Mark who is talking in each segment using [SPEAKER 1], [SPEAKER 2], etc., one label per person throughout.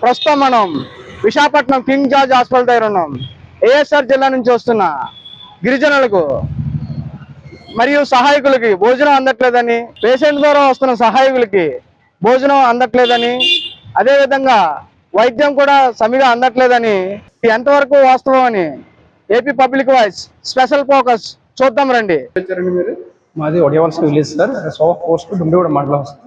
[SPEAKER 1] ప్రస్తుతం మనం Visakhapatnam king George hospital దగ్గర ఉన్నాం. ఏఎస్ఆర్ జిల్లా నుంచి వస్తున్న గిరిజనులకు మరియు సహాయకులకి భోజనం అందట్లేదని, పేషెంట్ ద్వారా వస్తున్న సహాయకులకి భోజనం అందట్లేదని, అదేవిధంగా వైద్యం కూడా సరిగా అందట్లేదని, ఎంతవరకు వాస్తవం అని AP public voice special focus చూద్దాం రండి. మీరు
[SPEAKER 2] మాది ఒడియవలస విలేజ్ సార్, సోఫ్ పోస్ట్ డుండిగూడ మండలం సార్.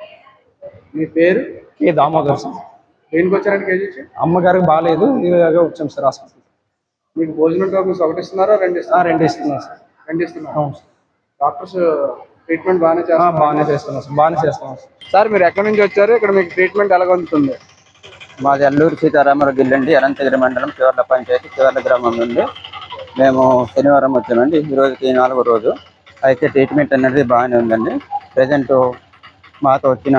[SPEAKER 1] మీ పేరు?
[SPEAKER 2] K Damodar sir.
[SPEAKER 1] దేనికి వచ్చారంటే కేజీ?
[SPEAKER 2] అమ్మగారికి బాగాలేదు, ఇలాగే వచ్చాం సార్ హాస్పిటల్.
[SPEAKER 1] మీకు భోజనం టోకెన్స్ ఒకటి ఇస్తున్నారా, రెండు ఇస్తున్నారా?
[SPEAKER 2] రెండు ఇస్తున్నారు సార్.
[SPEAKER 1] రెండు ఇస్తున్నారు.
[SPEAKER 2] అవును సార్.
[SPEAKER 1] డాక్టర్స్ ట్రీట్మెంట్ బాగానే చేస్తున్నారు?
[SPEAKER 2] బాగానే చేస్తున్నాం సార్, బాగానే చేస్తున్నాం సార్.
[SPEAKER 1] సార్ మీరు ఎక్కడి నుంచి వచ్చారు? ఇక్కడ మీకు ట్రీట్మెంట్ ఎలాగ అందుతుంది?
[SPEAKER 3] మాది అల్లూరు సీతారామరావు జిల్లండి, అనంతగిరి మండలం చివర్ల పంచాయతీ చివర్ల గ్రామం నుండి మేము శనివారం వచ్చామండి. ఈ రోజుకి 4వ రోజు. అయితే ట్రీట్మెంట్ అనేది బాగానే ఉందండి. ప్రజెంట్ మాతో వచ్చిన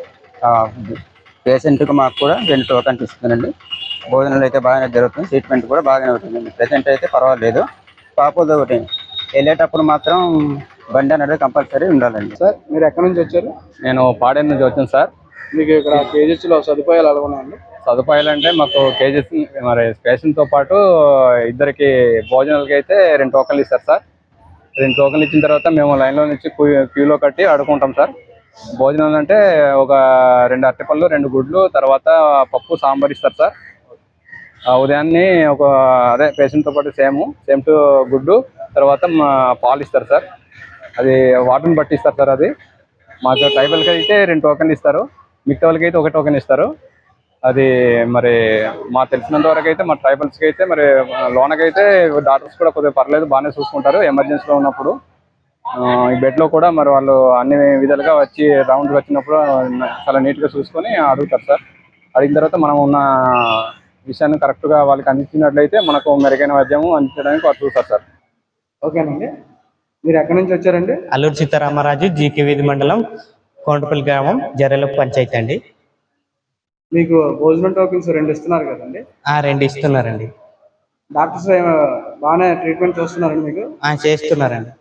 [SPEAKER 3] పేషెంట్కి మాకు కూడా 2 టోకన్స్ ఇస్తుందండి. భోజనాలు అయితే బాగానే జరుగుతుంది, ట్రీట్మెంట్ కూడా బాగానే అవుతుందండి. ప్రజెంట్ అయితే పర్వాలేదు. కాకపోతే ఒకటి వెళ్ళేటప్పుడు మాత్రం బండి అనేది కంపల్సరీ ఉండాలండి.
[SPEAKER 1] సార్ మీరు ఎక్కడి నుంచి వచ్చారు?
[SPEAKER 4] నేను పాడేరు నుంచి వచ్చాను సార్.
[SPEAKER 1] మీకు ఇక్కడ కేజెస్లో సదుపాయాలు ఎలా ఉన్నాయండి?
[SPEAKER 4] సదుపాయాలు అంటే మాకు కేజెస్ మరి పేషెంట్తో పాటు ఇద్దరికి భోజనాలకి అయితే 2 టోకన్లు ఇస్తారు సార్. 2 టోకన్లు ఇచ్చిన తర్వాత మేము లైన్లో నుంచి క్యూలో కట్టి అడుకుంటాం సార్. భోజనాలు అంటే ఒక 2 అరటిపళ్ళు, 2 గుడ్లు, తర్వాత పప్పు సాంబార్ ఇస్తారు సార్. ఉదయాన్నే ఒక అదే పేషెంట్తో పాటు సేమ్ టు గుడ్డు, తర్వాత పాలు ఇస్తారు సార్. అది వాటర్ని బట్టి ఇస్తారు సార్. అది మాకు ట్రైబల్కి అయితే 2 టోకన్లు ఇస్తారు, మిగతా వాళ్ళకి అయితే 1 టోకెన్ ఇస్తారు. అది మరి మాకు తెలిసినంత వరకు అయితే మా ట్రైబల్స్కి అయితే మరి లోనకైతే డాక్టర్స్ కూడా కొద్దిగా పర్లేదు, బాగానే చూసుకుంటారు ఎమర్జెన్సీలో ఉన్నప్పుడు. ఈ బెడ్లో కూడా మరి వాళ్ళు అన్ని విధాలుగా వచ్చి రౌండ్కి వచ్చినప్పుడు చాలా నీట్గా చూసుకొని అడుగుతారు సార్. అడిగిన తర్వాత మనం ఉన్న విషయాన్ని కరెక్ట్గా వాళ్ళకి అందించినట్లయితే మనకు మెరుగైన వైద్యము అందించడానికి వాళ్ళు చూస్తారు సార్.
[SPEAKER 1] ఓకేనండి. మీరు ఎక్కడి నుంచి వచ్చారండి?
[SPEAKER 5] అల్లూరు సీతారామరాజు, జీకే వీధి మండలం, కోంటపల్లి గ్రామం, జర్రెల పంచాయతీ అండి.
[SPEAKER 1] మీకు భోజనం టోకెన్స్ 2 ఇస్తున్నారు కదండి?
[SPEAKER 5] 2 ఇస్తున్నారండి.
[SPEAKER 1] డాక్టర్స్ బాగానే ట్రీట్మెంట్ చేస్తున్నారండి మీకు?
[SPEAKER 5] చేస్తున్నారండి.